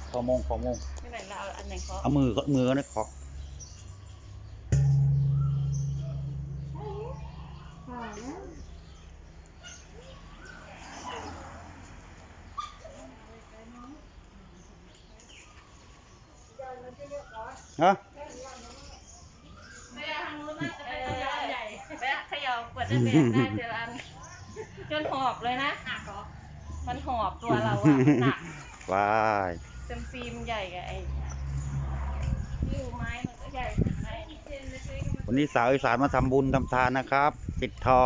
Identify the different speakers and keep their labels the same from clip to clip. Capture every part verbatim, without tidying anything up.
Speaker 1: ขอมงขอมง
Speaker 2: ไม่ไหนเราเอาอันไหนขอ
Speaker 1: เอามือก็มือก็ได้ขอฮะ
Speaker 2: แบะขย่าเปิดได้แบะได้เจออันจนหอบเลยนะมันหอบตัวเราอะหนัก
Speaker 1: ว้าย
Speaker 2: เต็มฟิล์มใหญ่กับไอ้ยิ้วไม้มันก็ใหญ่ไม้
Speaker 1: วันนี้สาวอีสานมาทำบุญทำทานนะครับ ปิดทอง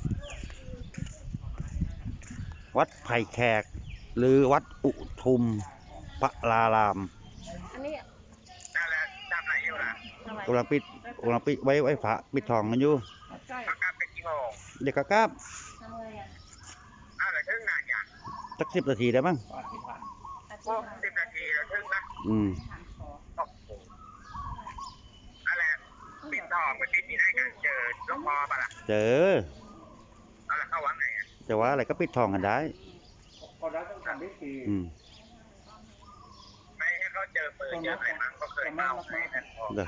Speaker 1: วัดไผ่แขก หรือวัดอุทุมพระราราม
Speaker 2: อันนี้
Speaker 3: นั่นแหละทำอะไรอยู่ล่ะ
Speaker 1: กำลังปิดกำลังปิดไว้ไว้พระปิดทองกันอยู่
Speaker 2: ใช่
Speaker 3: เขากลับไปกี่โมง
Speaker 1: เด็กกะกราบ
Speaker 2: ทำไงอ่ะ
Speaker 3: อ้าวเหลือครึ่งนานอย่าง
Speaker 1: สักสิบนาทีได้มั้ง
Speaker 3: พวกสิบนาทีเราครึ่งนะ
Speaker 1: อืม
Speaker 3: โอ้โหอะไรปิดทองไปปิดมีได้กันเจอหลวงพ่อปะล่ะ
Speaker 1: เจอ
Speaker 3: เอาละเข้าวังไงอ่ะ
Speaker 1: จะว่าอะไรก็ปิดทองกันได้
Speaker 3: ก็ได้ต้องทำพิธี
Speaker 1: อืม
Speaker 3: ไม่ให้เขาเจอปืนเจออะไรมั้งก็เคยเมาไงนั่นพอ
Speaker 1: เด้อ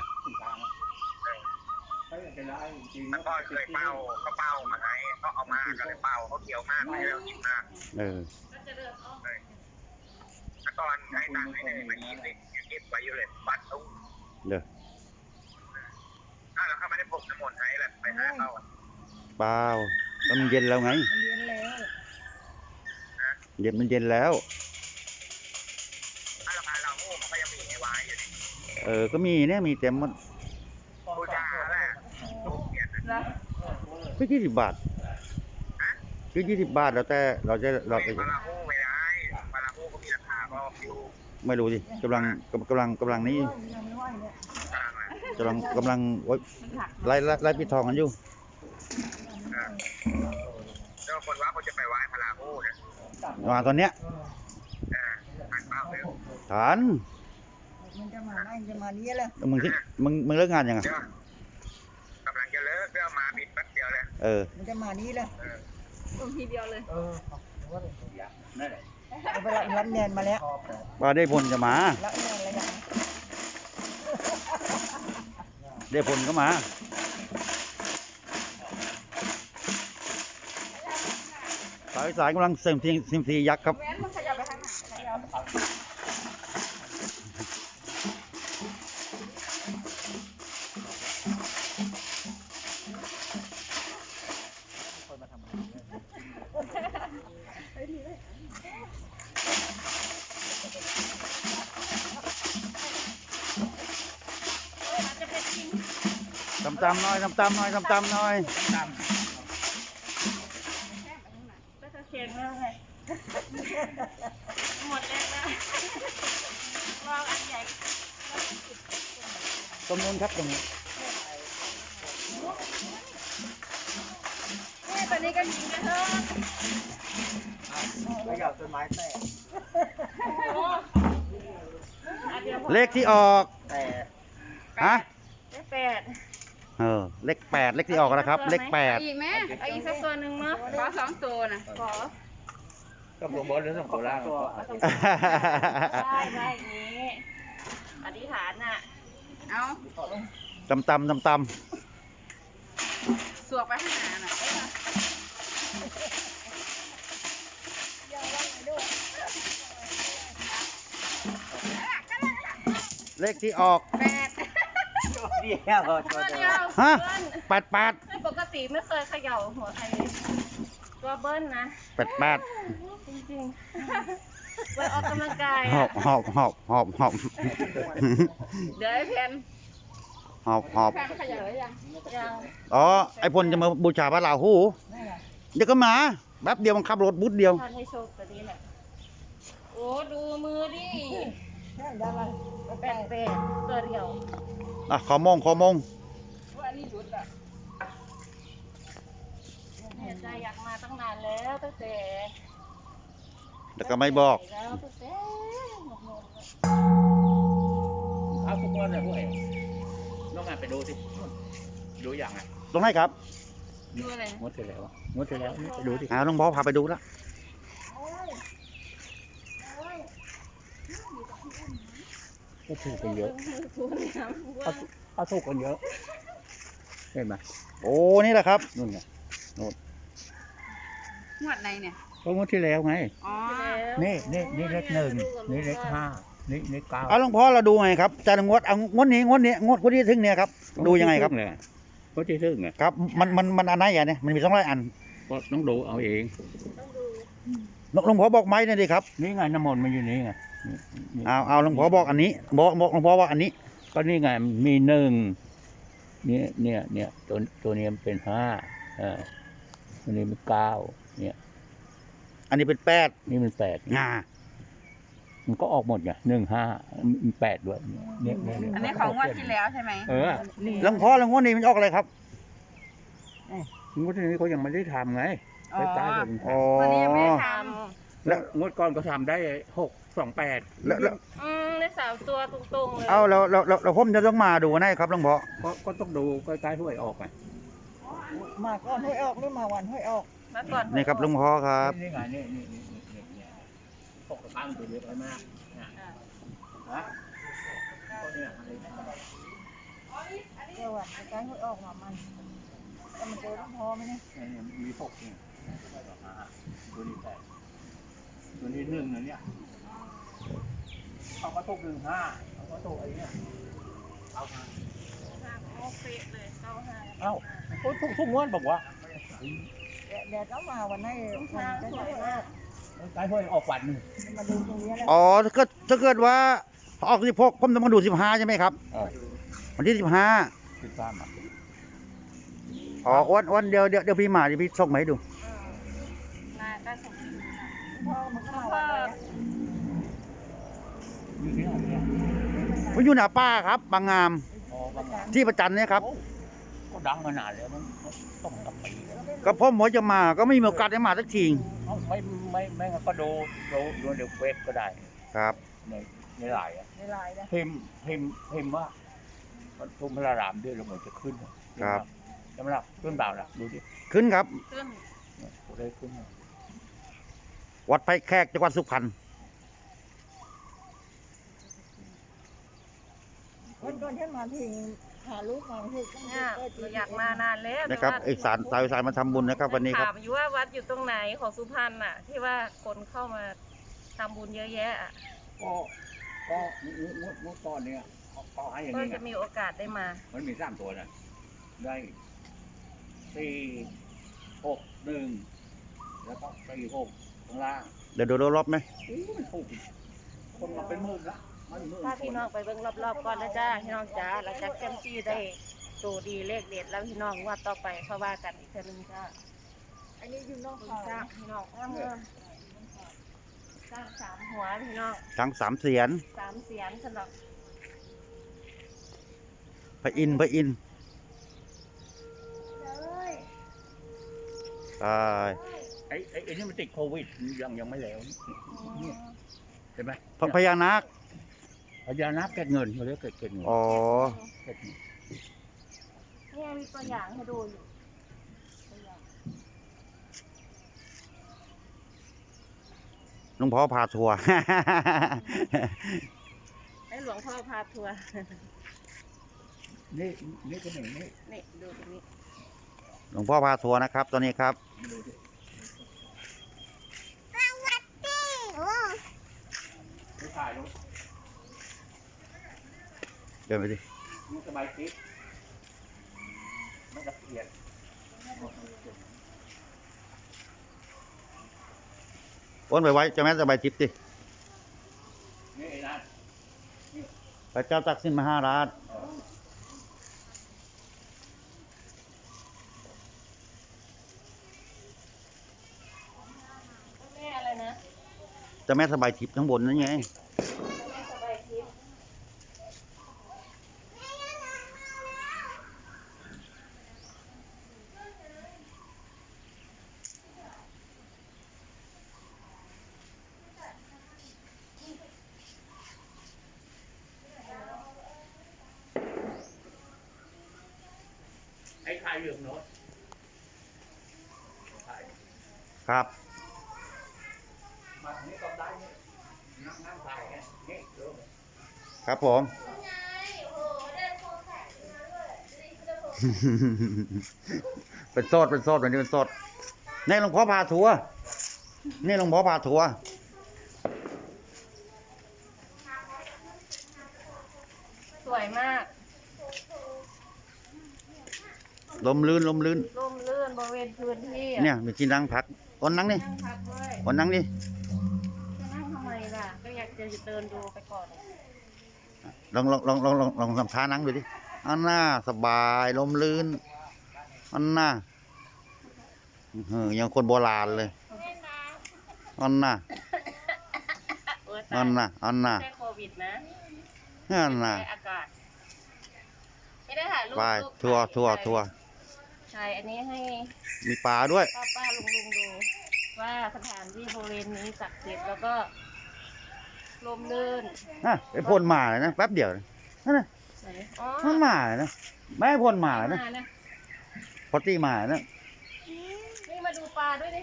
Speaker 3: มันก็เคยเป้าเขาเป้ามาไงเขาเอามาก็เลยเป้าเขาเกี่ยวมากไม่แล้วกินมาก
Speaker 1: เออ
Speaker 2: ก็จะเดินอ้อม
Speaker 3: เลยถ้าก่อนให้ตังค์ให้เลยมายี่สิบยังเก็บไว้อยู่เลยบัตรตุ้ง
Speaker 1: เด้อ
Speaker 3: อ้าวแล้วเขาไม่ได้พกน้ำมนต์ให้แหละไปหาเขาอ่ะ
Speaker 1: เปล่าก็มันเย็นแล้วไง
Speaker 2: มันเย็นแล้ว
Speaker 1: เย็นมันเย็นแล้ว
Speaker 3: ถ้าเราพาเราโม่มันก็ยังมีให้ไว้อยู่ดิ
Speaker 1: เออ ก็มีเนี่ยมีเต็มหมด
Speaker 3: บูชาแหละลูกเกียรตินะ
Speaker 2: นะ
Speaker 1: ก็ยี่สิบบาทก็ยี่สิบบาทแล้วแต่เราจะเราจะ
Speaker 3: ปลาหูไม่ได้ปลาหูก็มีราคาก็อยู่
Speaker 1: ไม่รู้สิกำลังกำลังกำลังนี้
Speaker 3: กลางอ่ะ
Speaker 1: กำลังกำลังโอ๊ยไล่ไล่ไล่ปิดทองกันอยู่
Speaker 3: แล้วคนว่าเขาจะไปไหว้พลาหูนะ
Speaker 1: มาตอนเนี้ย
Speaker 3: เออทานเปล่าเลย
Speaker 1: ฐาน
Speaker 4: มันจะมาได้จะมานี้แหละ
Speaker 1: มึงที่มึงมึงเลิกงานยังไง
Speaker 3: เดี๋ยวกำลังจะเลิกเรื่องมาบิดแป๊บเดียวเลย
Speaker 1: เออ
Speaker 4: มันจะมานี้แหละ
Speaker 3: เออ
Speaker 2: ลงทีเดียวเลย
Speaker 4: เอาไปรับรับเงินมาแล้ว
Speaker 1: ว่าได้ผลจะมา
Speaker 4: รับเงินอะไรอย่าง
Speaker 1: ได้ผลก็มาสายสายกำลังเสริมทีซิมซียักษ์ครับ
Speaker 2: แว้นมันขยับไปทางไหนขยับจะเป็นกิน
Speaker 1: ตำตำๆหน่อยตำตำๆหน่อยตำตำๆหน่อย
Speaker 2: ก็จะเค็มแล้วไงหมดแล้วนะลองอันใหญ่
Speaker 1: ตรงนู้นครับตรงนี้
Speaker 2: นี่ตอนนี้ก็ยิงกันเถอะ
Speaker 3: ไม่อยากต้นไม้แตก
Speaker 2: โอ้อันเดียวพอ
Speaker 1: เลขที่ออก
Speaker 3: แต่
Speaker 1: ฮะ
Speaker 2: เลขแปด
Speaker 1: เออเลขแปดเลขที่ออกนะครับ เลขแปด
Speaker 2: อีกไหมเอาอีกสักตัวหนึ่งเนาะขอสองตัวนะขอ
Speaker 3: ก็ผมบอกเรื่องของโคราช
Speaker 2: ได้ได้อย่างนี้อธิษฐานน่ะ เอา
Speaker 1: ตำตำตำต
Speaker 2: สวกไปข้างหน้าน่ะเอ้ย
Speaker 1: ำเลขที่ออก
Speaker 2: แปด
Speaker 3: เดียว
Speaker 2: ตัวเดียว
Speaker 1: ฮะ
Speaker 2: เบิ้ล
Speaker 1: แปดแปด
Speaker 2: ปกติไม่เคยเขย่าหัวใครเลยตัวเบิ้ลนะ
Speaker 1: แปดแปด
Speaker 2: จริงๆไปออกกำลังกาย
Speaker 1: หอ
Speaker 2: อะ
Speaker 1: บหอบหอบหอบหอบ
Speaker 2: เดี๋ยวไอ้แพน
Speaker 1: หอบหอบ
Speaker 2: แพนเขย่าหรือยังยัง
Speaker 1: อ๋อไอพลจะมาบูชาพระราหู
Speaker 4: นั่นแหละ
Speaker 1: เดี๋ยวก็มาแป๊บเดียวมันขับรถบุ๊ดเดียว
Speaker 2: ท่านให้โชคตัวนี้แหละโอ้ดูมือดิ
Speaker 4: ใช่ได้ละ
Speaker 2: แปดแปดตัวเดียว
Speaker 1: อ่ะขอมงขอมง
Speaker 2: ว่าอันนี้หยุดอ่ะเนี่ยใจอยากมาตั้งนานแล้วตั้งแต่
Speaker 1: แต่ก็ไม่บอก
Speaker 2: แล้วตั้งแต่หมดเงินแล้ว
Speaker 3: เอาทุกคนเลยพวกเองน้องงานไปดูสิดูอย่างไง
Speaker 1: ตรงไหนครับ
Speaker 2: ดูอะไร
Speaker 3: งดเสร็จแล้วงดเสร็จแล้วไปดูสิ
Speaker 1: อ่าน้องบอสพาไปดูแล้ว
Speaker 5: ก็ถูกกันเยอะ
Speaker 2: ทุนน้ำว่า
Speaker 5: เขาถูกกันเยอะเห็นไหม
Speaker 1: โอ้นี่แหละครับ
Speaker 5: นู่นไง
Speaker 6: งวดไหนเนี่ย
Speaker 5: ก็งวดที่แล้วไง
Speaker 6: อ๋อ
Speaker 5: นี่นี่นี่เลขหนึ่งนี่เลขห้านี่เลขเก้า
Speaker 1: เอาหลวงพ่อเราดูไงครับจานงวดเอางวดนี้งวดนี้งวดงวดที่ถึงเนี่ยครับดูยังไงครับ
Speaker 5: เลยก็ที่ซึ่งไง
Speaker 1: ครับมันมันมันอันไหนอ่ะเนี่ยมันมีสองร้อยอัน
Speaker 5: ก็ต้องดูเอาเอง
Speaker 2: ต้องดู
Speaker 1: หลวงพ่อบอกไหมเนี่ยดิครับ
Speaker 5: นี่ไงน้ำมนต์มันอยู่นี่ไงนี่นี่
Speaker 1: เอาเอาหลวงพ่อบอกอันนี้บอกบอกหลวงพ่อว่าอันนี้
Speaker 5: ก็นี่ไงมีหนึ่งเนี่ยเนี่ยเนี่ยตัวตัวนี้มันเป็นห้าอ่าตัวนี้เป็นเก้าเนี่ย
Speaker 1: อันนี้เป็นแปด
Speaker 5: นี่มันแปด
Speaker 1: อ่า
Speaker 5: มันก็ออกหมดไงหนึ่งห้ามีแปดด้วยเนี่ยเนี่ยเนี่ย
Speaker 6: อันนี้ของงวดที่แล้วใช่ไหม
Speaker 5: เออ
Speaker 1: หลวงพ่อแล้วงวดนี้มันออกอะไรครับ
Speaker 5: งวดนี้เขายังไม่ได้ทำไง
Speaker 6: อ๋อ
Speaker 5: ใกล้ๆกัน
Speaker 1: อ๋อ
Speaker 6: วันนี้ยังไม่ได้ท
Speaker 5: แล้วงวดก่อนก็ทำได้หกสองแปด
Speaker 1: แล้วแล้ว
Speaker 2: อืมได้สามตัวตรงๆเลย
Speaker 1: เอาแล้วแล้วแล้วแล้วผมจะต้องมาดูนะครับหลวงพ่อ
Speaker 5: ก็ก็ต้องดูใกล้ๆห้วยออกไง
Speaker 4: มาก่อนห้วยออกหรือมาวันห้วยออก
Speaker 2: มาก่อน
Speaker 1: นี่ครับหลวงพ่อครับ
Speaker 5: นี่ไงนี่นี่นี่นี่นี่นี่ตกกระตั้งตัวเดียวไปมากนะฮะก็เนี่ยอะไรนะ
Speaker 4: เดี๋ยววันใกล้ห้วยออกมามันแต่มันเจอหลวงพ่อไหมเนี่ย
Speaker 5: เนี่ยมีหกนี่ตัวนี้แปดตัวนี้หนึ่งนะเนี่ยเอากระตุกหนึ่งห้าเอากระตุกไอ้เนี่ยเอามา
Speaker 2: โอเคเลยเก้าห้า
Speaker 5: เอ้าทุกทุกงวดบอกว่า
Speaker 4: เดี๋ยวเดี๋ยวต้องมาวันไหนวันใกล้ห้วยออก
Speaker 5: ใกล้ห้วยออกวันหนึ่ง
Speaker 4: มาดูตรงนี้แหละ
Speaker 1: อ๋อถ้าเกิดถ้าเกิดว่าออกสิบหกผมต้องมาดูสิบห้าใช่ไหมครับ
Speaker 5: เออ
Speaker 1: วันที่สิบห้า
Speaker 5: สิบสามอ่ะ
Speaker 1: อ๋อวันวันเดียวเดี๋ยวเดี๋ยวพี่มาเดี๋ยวพี่ส่งมาให้ดู
Speaker 2: มาก็ส่ง
Speaker 4: พ่อมันก็มาวันไหนอะ
Speaker 5: อยู่ที่ไหนเนี่ย
Speaker 1: ผมอยู่หน้าป้าครับบางงาม
Speaker 5: อ๋อบางงาน
Speaker 1: ที่ประจันเนี่ยครับ
Speaker 5: โอ้ก็ดังมานานแล้วมันต้องกับปีแล้ว
Speaker 1: ก็พ่อหมอจะมาก็ไม่มีโอกาสได้มาสักที
Speaker 5: เอ้าไม่ไม่ไม่งั้นก็ดูดูดูในเว็บก็ได้
Speaker 1: ครับ
Speaker 5: ในในไลน์อะ
Speaker 4: ในไลน์นะ
Speaker 5: พิมพ์พิมพ์พิมพ์ว่าปทุมพระรามด้วยแล้วเหมือนจะขึ้นครับใช่ไหมล่ะขึ้นเปล่าล่ะดูดิ
Speaker 1: ขึ้นครับ
Speaker 2: ขึ้น
Speaker 5: เนี่ยตัวได้ขึ้นเนี่ย
Speaker 1: วัดไผ่แขกจังหวัดสุพรรณ
Speaker 4: วันก่อนฉันมาทิ้งหาลูกมาให้ตั้ง
Speaker 2: เนี่ย
Speaker 4: แต่
Speaker 2: เราอยากมานานแล้ว
Speaker 1: นะครับ
Speaker 2: แต่ว่า
Speaker 1: ไอสารสายสายมาทำบุญนะครับ วันนี้ครับ
Speaker 2: ถามอยู่ว่าวัดอยู่ตรงไหนของสุพรรณอ่ะ ที่ว่าคนเข้ามาทำบุญเยอะแยะอ่ะ
Speaker 5: ก็ก็งวดงวดงวดก้อนเนี่ยเขาเขาให้อย่าง
Speaker 2: ก็
Speaker 5: นี้ไง
Speaker 2: จะมีโอกาสได้มา
Speaker 5: มันมีสามตัวนะได้สี่หกหนึ่งแล้วก็สี่หกข้างล่าง
Speaker 1: เดี๋ยวดูรอบๆไหม
Speaker 5: โอ้มันถูกคนมาเป็นหมื่นละมันหมื่น
Speaker 2: ถ้าพี่น้องไปเบิ่งรอบๆก่อนแล้วจ้าพี่น้องจ้าหลังจากเต็มที่ได้ตัวดีเลขเด็ดแล้วพี่น้องว่าต่อไปเขาว่ากันอีกเทื่อนึงจ้า
Speaker 4: อันนี้อยู่นอก
Speaker 2: คุณ
Speaker 4: เขา
Speaker 2: จ้าพี่น้องอ้ามเงินสร้างสามหัวพี่น้อง
Speaker 1: ทั้งสามเสียน
Speaker 2: สามเสียนสำหรับ
Speaker 1: พระอินทร์พระอินทร์ใช่
Speaker 5: ไอ้ไอ้ไอ้นี่มันติดโควิดยังยังไม่แล้วนี่เห็นไหม
Speaker 1: พระพญานาค
Speaker 5: พญานาคเก็บเงินเขาเรียกเก็บเก็บเงิน
Speaker 1: อ๋อ
Speaker 5: เก็บเงิน
Speaker 2: เนี่ยมีตัวอย่างให้ดูอยู่ตัวอย่าง
Speaker 1: หลวงพ่อพาทัวร์
Speaker 2: ให้หลวงพ่อพาทัวร์
Speaker 5: นี่นี่ก็หนึ่งนี่
Speaker 2: นี่ดูตรงนี้
Speaker 1: หลวงพ่อพาทัวร์นะครับ ตอนนี้ครับ
Speaker 5: ดูดิไม่ถ่ายรูป
Speaker 1: เดินไปดิ
Speaker 5: นี่สบายคิดไม่ละเอียด
Speaker 1: อ้วนไปไว้เจะแม่สบายจิตดิ
Speaker 5: นี่ไอ้นั่น
Speaker 1: พระเจ้าตักสินมหาราช
Speaker 2: แม่อะไรนะ
Speaker 1: เจะแม่สบายทิพย์ข้างบนนั่นไง
Speaker 2: แม่สบายทิพย์
Speaker 5: ไอ้ถ่ายเหลืองโน้ตถ่าย
Speaker 1: ครับ
Speaker 5: มาทางนี้ก็ได้นี่นั่งนั่งถ่ายไงนี่เดี๋ยว
Speaker 1: ครับผม เป็นโซดเป็นโซดวันนี้เป็นโซดนี่หลวงพ่อพาทัวร์นี่หลวงพ่อพาทัวร์
Speaker 2: สวยมาก
Speaker 1: ลมลื่นลมลื่น
Speaker 2: ร่มรื่นบริเวณพื้นที่อะ
Speaker 1: เนี่ยมีที่นั่งพักอ้นนั่งนี่
Speaker 2: นั่งพักด้วย
Speaker 1: อ้นนั่งนี่
Speaker 2: จะนั่งทำไมล่ะ ก็อยากจะเดินดูไปก่อน
Speaker 1: ลองลองลองลองลองลองทำท่านั่งดูดิอันน่าสบายลมลื่นอันน่าเออยังคนโบราณเลยอันน่า
Speaker 2: เออ
Speaker 1: อันน่าอันน่า
Speaker 2: ไม่ใช่โควิดนะ
Speaker 1: อันน่า
Speaker 2: ใช่อากาศ ไม่ได้ถ่ายรูป
Speaker 1: ไป
Speaker 2: รูป
Speaker 1: ทัวร์
Speaker 2: ถ่าย
Speaker 1: ทัวร์ทัวร์
Speaker 2: ถ่ายอันนี้ให้
Speaker 1: มีปลาด้วย
Speaker 2: ป้าป้าลุงลุงดู ว่าสถานที่บริเวณนี้ศักดิ์สิทธิ์แล้วก็ลมลื่น
Speaker 1: นะไอ้พ่นหมาเลยนะแป๊บเดียวนะนั่นน่ะ
Speaker 2: ไหนอ๋อ
Speaker 1: มันหมาเลยนะไม่ให้พ่นหมาเลยนะ
Speaker 2: มานะ
Speaker 1: พอตีหมาเลยนะ
Speaker 2: นี่มาดูปลาด้วยดิ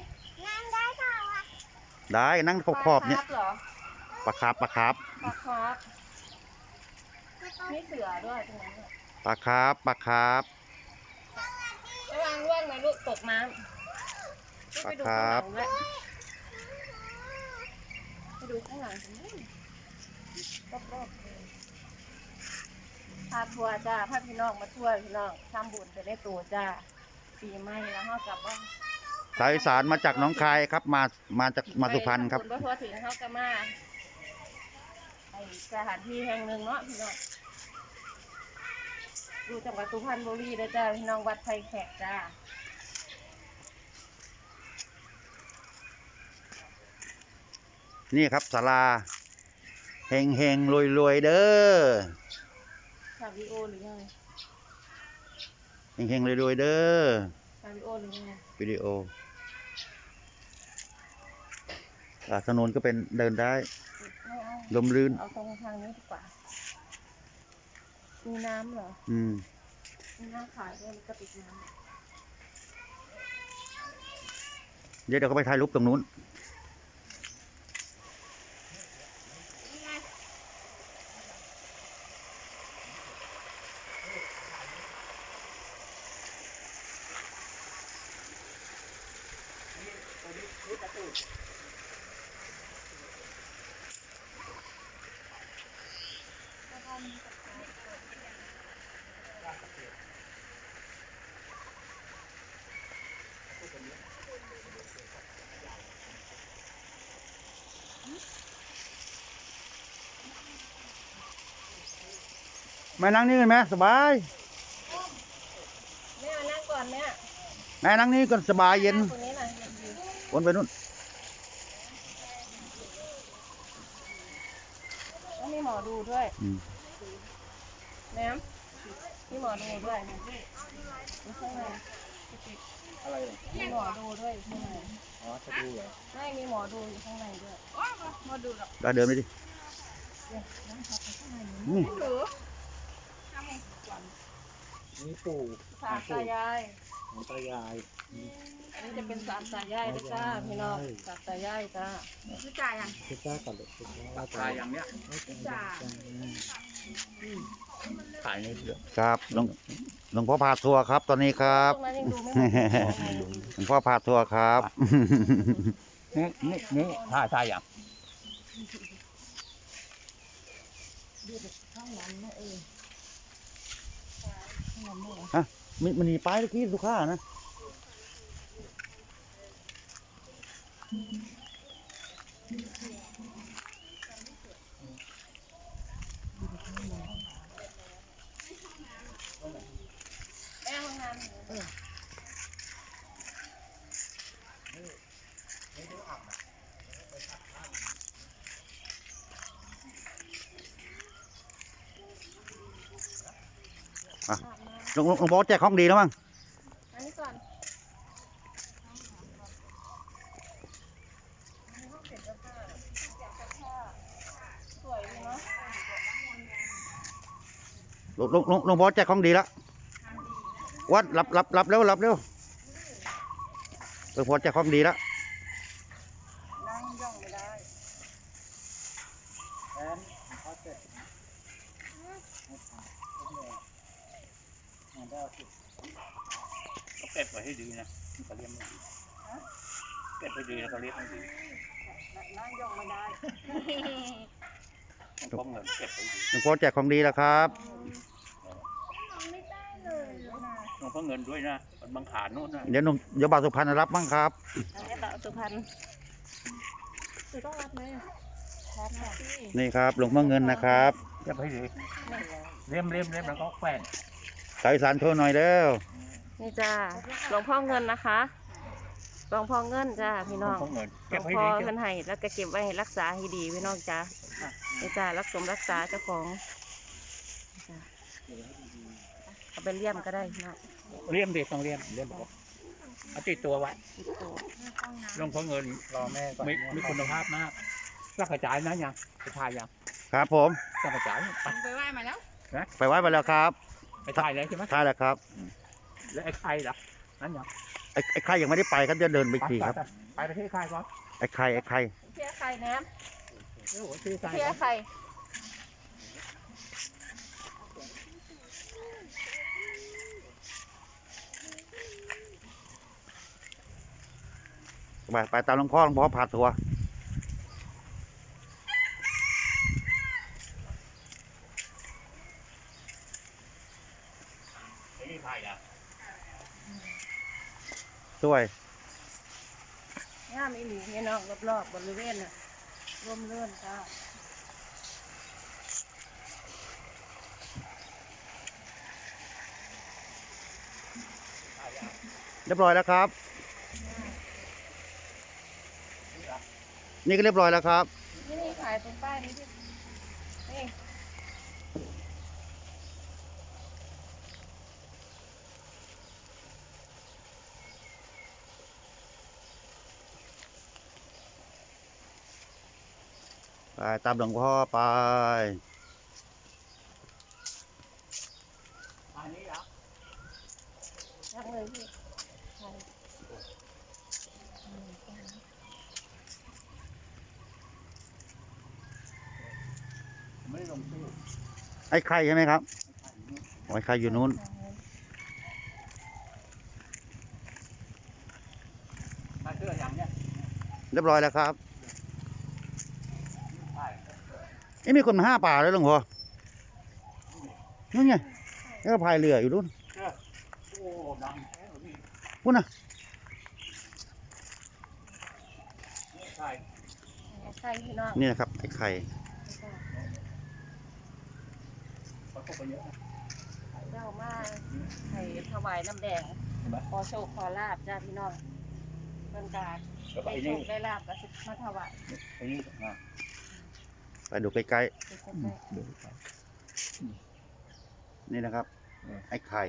Speaker 1: ได้นั่งขอบๆเนี่ย
Speaker 2: ปลาคาร์ฟเหรอ
Speaker 1: ปลาคาร์ฟปลาคาร์ฟ
Speaker 2: ปลาคาร์ฟมีเสือด้วยตรงนั้นอะ
Speaker 1: ปลาคาร์ฟปลาคาร์ฟ
Speaker 2: ระวังร่วงนะลูกตกน้ำไปดูข้างหลังด้วยไปดูข้างหลังกันด้วยรอบๆเลยพาทัวร์จ้าพาพี่น้องมาช่วยพี่น้องทำบุญไปได้ตัวจ้าปีใหม่แล้วเขากลับบ้าน
Speaker 1: สายอีสารมาจากหน้องคายครับมามาจากมาสุพรรณครับ
Speaker 2: ไปทำญพอถึงเขาก็มาไอสถานที่แห่งหนึ่งเนาะพี่น้องอยู่จังหวัดสุพรรณบุรีนะจ้าพี่น้องวัดไผ่แขกจ้า
Speaker 1: นี่ครับศาลาเฮงเฮงรวยรวยๆเด้อ
Speaker 2: ถ่ายวิดีโอหรือยัง
Speaker 1: เฮงเฮงรวยรวยๆเด้อ
Speaker 2: ถ่ายวิดีโอหรือยัง
Speaker 1: วิดีโออ่าถนนก็เป็นเดินได้
Speaker 2: ไม่เอา
Speaker 1: ลมลื่น
Speaker 2: เอาตรงทางนี้ดีกว่า มีน้ำเหรอ
Speaker 1: อืม
Speaker 2: มีน้ำขายด้วยมีกระติกน้
Speaker 1: เดี๋ยวเดี๋ยวก็ไปถ่ายรูปตรงนู้นแม่นั่งนี่กันไหมสบาย
Speaker 2: ำแม่มานั่งก่อนแม่
Speaker 1: แม่นั่งนี่ก็สบายเย็น
Speaker 2: นั่งตรงนี้หน่อย
Speaker 1: วนไปนู่น
Speaker 2: แล้วมีหมอดูด้วย
Speaker 1: อืม
Speaker 2: แม่มีหมอดูด้วยมีข้างใน
Speaker 5: อะไรเหรอ
Speaker 2: มีหมอดูด้วยอยู่ข้างใน
Speaker 5: อ๋อจะดูเหรอ
Speaker 2: ไม่มีหมอดูอยู่ข้างในด้วยหมอดูหรอ
Speaker 1: ได้เดินไปดินี่
Speaker 2: หรือ
Speaker 5: นี่ปู่
Speaker 2: สามตายาย
Speaker 5: ของตายาย
Speaker 2: อันนี้จะเป็นสามตายายนะจ้าพี่น้องสามตายายจ้า
Speaker 6: คือจ่ายยัง
Speaker 5: คือจ้าก่อนเลยคือจ้าตายอย่างเนี้ย
Speaker 6: จ่า
Speaker 5: ขายในเรือ
Speaker 1: ครับหลวงหลวงพ่อพาทัวร์ครับ ตอนนี้ครับ
Speaker 2: ตรงนั้นยังดูไม่หมด
Speaker 1: หลวงพ่อพาทัวร์ครับ
Speaker 5: นี่นี่นี่ถ่ายถ่ายอย่าง
Speaker 1: ฮะมันมันหนีไปเมื่อกี้สุขานะ
Speaker 2: แม่ห้องน้ำเออ
Speaker 1: อ่ะหลวงหลวงหลวงพ่อแจกของดีแล้วมั้ง
Speaker 2: อันนี้ก่อนสวยดีเนาะ
Speaker 1: หลวงหลวงหลวงหลวงพ่อแจกของดีแล้ววัดรับรับรับเร็วรับเร็วหลวงพ่อแจกของดีแล้ว
Speaker 2: นั่งย่องไม่ได้
Speaker 5: แอนเขาเสร็จก็เก็บไว้ให้ดีนะมันก็เลี้ยงไม่ดีเก็บไว้ดีแล้วก็เลี้ยงไม่ดี
Speaker 4: นั่งยองไม่ได้
Speaker 5: ต้องเงินเก็บไว้ดี
Speaker 1: หลวงพ่อแจกของดีแล้วครับ
Speaker 4: ไม่ได้เลยนะ
Speaker 5: ต้องเงินด้วยนะมันบังขาโน่นนะ
Speaker 1: เดี๋ยวหนุ่มเดี๋ยวบ่าวสุพรรณรับบ้างครับ
Speaker 2: อันนี้แบบสุพรรณ
Speaker 4: คือต้องรับไหมรับค่ะ
Speaker 1: นี่ครับหลวงพ่อเงินนะครับ
Speaker 5: เก็บไว้ดีเลี้ยมเลี้ยมเลี้ยมแล้วก็แขวน
Speaker 1: สายสารโชว์หน่อยเด้อ
Speaker 2: นี่จ้าหลวงพ่อเงินนะคะหลวงพ่อเงินจ้าพี่น้อง
Speaker 5: ต้องเงิน
Speaker 2: หล
Speaker 5: เก็บ
Speaker 2: วง
Speaker 5: ไว้
Speaker 2: พ่อ
Speaker 5: ดี
Speaker 2: เพิ่นให้แล้วก็เก็บไว้ให้รักษาให้ดีพี่น้องจ้านี่จ้ารักสมรักษาเจ้าของจ้าเอาไปเลี่ยมก็ได้พี่น้อง
Speaker 5: เลี้ยมดีต้องเลี้ยมเลี้ยมบอกเอาติดตัวไว้
Speaker 2: ติดตัว
Speaker 5: หลวงพ่อเงิน
Speaker 3: รอแม่ก่อน
Speaker 5: มีมีคุณภาพมากรักกระจายนะยังไปถ่ายยัง
Speaker 1: ครับผม
Speaker 5: รักกระจายไป
Speaker 6: ไปไหว้มาแล้ว
Speaker 1: ไปไว้ไปแล้วครับ
Speaker 5: ไปถ่ายเลยใช่ไหม
Speaker 1: ใช่แล้วครับ
Speaker 5: แล้วไอ้ไข่ล่ะนั่นยัง
Speaker 1: ไอ้ไอ้ใครยังไม่ได้ไปครับเดี๋ยวเดินไปอีกทีครับ
Speaker 5: ไปไปที่ไข่ก่อน
Speaker 1: ไอ้ใครไอ้ใคร
Speaker 2: เพี้ยไข่แหนม
Speaker 5: โอ้โหที่ไข่
Speaker 2: เพี้ยไข่
Speaker 1: ไปไปตามหลวงพ่อหลวงพ่อพาทัวร์
Speaker 5: ไอ้นี่ไข่ล่ะ
Speaker 1: ช่วย
Speaker 2: ย่ามอีหลีพี่น้องรอบๆบริเวณน่ะร่มเรื่นจ้า
Speaker 1: เรียบร้อยแล้วครับ นี่ก็เรียบร้อยแล้วครับ
Speaker 2: นี่นี่ขายตรงป้ายนี้ที่นี่
Speaker 1: ไปตามหลวงพ่อไป
Speaker 5: อันนี้เหรอ
Speaker 2: ทักเลยพี่ขาย
Speaker 5: ไม่ได้ลงชื่อ
Speaker 1: ไอ้ใครใช่ไหมครับไอ้ใครอยู่นู้น
Speaker 5: มาเชื่ออย่างเนี้ย
Speaker 1: เรียบร้อยแล้วครับ
Speaker 5: ใช่
Speaker 1: เอ้มีคนมาห้าป่าเลยหลวงพ่อนู่นไงแล้วก็พายเรืออยู่นู่น
Speaker 5: โอ้ดังแท้เลยพี่
Speaker 1: พุ่นน่ะ
Speaker 5: ใช่
Speaker 2: ไข่พี่น้อง
Speaker 1: นี่นะครับไอ้ไข่
Speaker 5: เขาตกไปเยอะนะ
Speaker 2: เจ้ามาให้ถวายน้ำแดง
Speaker 5: เห็นไหม
Speaker 2: ขอโชคขอลาบจ้าพี่น้องเพิ่นการ
Speaker 5: แล้วก็
Speaker 2: ได้
Speaker 5: ไอ้
Speaker 2: โช
Speaker 5: นี่
Speaker 2: คได้ลาบก็สิมาถวาย
Speaker 5: ไอ้นี่นะ
Speaker 1: ไปดูใกล้
Speaker 2: ไปใกล้
Speaker 5: ดูไป
Speaker 1: ๆนี่นะครับ
Speaker 5: เออ
Speaker 1: ไอ้ไข่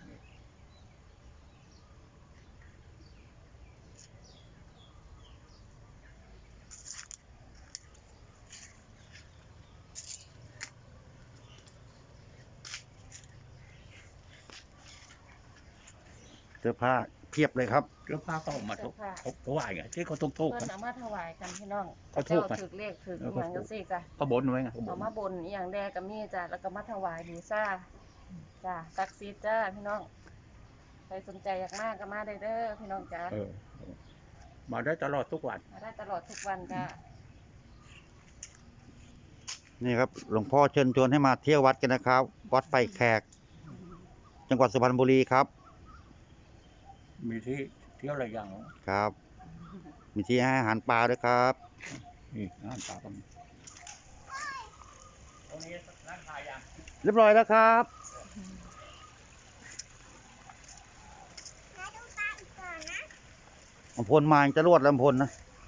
Speaker 1: เสื้อผ้าเพียบเลยครับ
Speaker 5: แล้วพาเขาออกมา
Speaker 2: เสื้
Speaker 5: ทุ
Speaker 2: อก ผ้า
Speaker 5: เขาเขาไหวไงที่เขาทุกทุก
Speaker 2: เพิ่
Speaker 5: กัน น
Speaker 2: เอามาถวายกันพี่น้อง
Speaker 5: เขาถูกไหม
Speaker 2: เจ้าถือเลขถืออหย่างจังซี่จ้ะ
Speaker 5: เขาบนไว้ไงเขาบ
Speaker 2: เอา
Speaker 5: น
Speaker 2: มาบนอหย่างแดก็มีจ้ะแล้วก็มาถวายบูชาจ้ะศักดิ์สิทธิ์จ้าพี่น้องใครสนใจอยากมาก็มาได้เด้อพี่น้องจ้า
Speaker 5: เออเออมาได้ตลอดทุกวัน
Speaker 2: มาได้ตลอดทุกวันจ้า
Speaker 1: นี่ครับหลวงพ่อเชิญชวนให้มาเที่ยววัดกันนะครับ วัดไผ่แขก จังหวัดสุพรรณบุรีครับ
Speaker 5: มีที่เที่ยวอะไรอย่างเหรอ
Speaker 1: ครับ มีที่ให้อาหารปลาด้วยครับ
Speaker 5: นี่ร้านปลาตรงนี้ตรงนี้ร้านขายยัง
Speaker 1: เรียบร้อยแล้วครับลำพลมาจะรวดลำพลนะ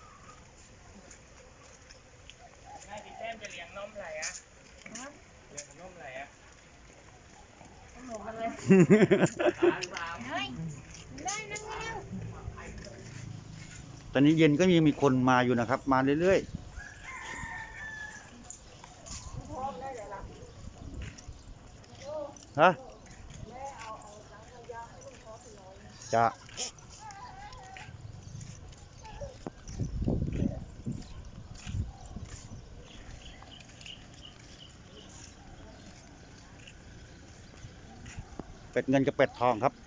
Speaker 3: แม่พี่แต้มจะเลี้ยงนมอะไรอ่ะเลี้ยงนมอะไรอ่ะ
Speaker 2: ขนมมาเลย
Speaker 1: ตอนนี้เย็นก็ยังมีคนมาอยู่นะครับ มาเรื่อยๆ ฮะจะเป็ดเงินกับเป็ดทองครับ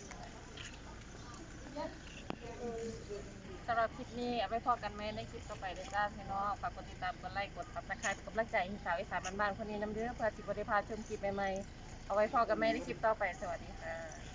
Speaker 2: สำหรับคลิปนี้เอาไว้พอกันไหมในคลิปต่อไปเลยจ้าพี่น้องฝากกดติดตามกดไลค์กดซับสไครป์กดกำลังใจให้สาวอีสานบ้านๆคนนี้น้ำเด้อเพื่อสิบริพาชมคลิปใหม่ๆเอาไว้พอกันไหมในคลิปต่อไปสวัสดีค่ะ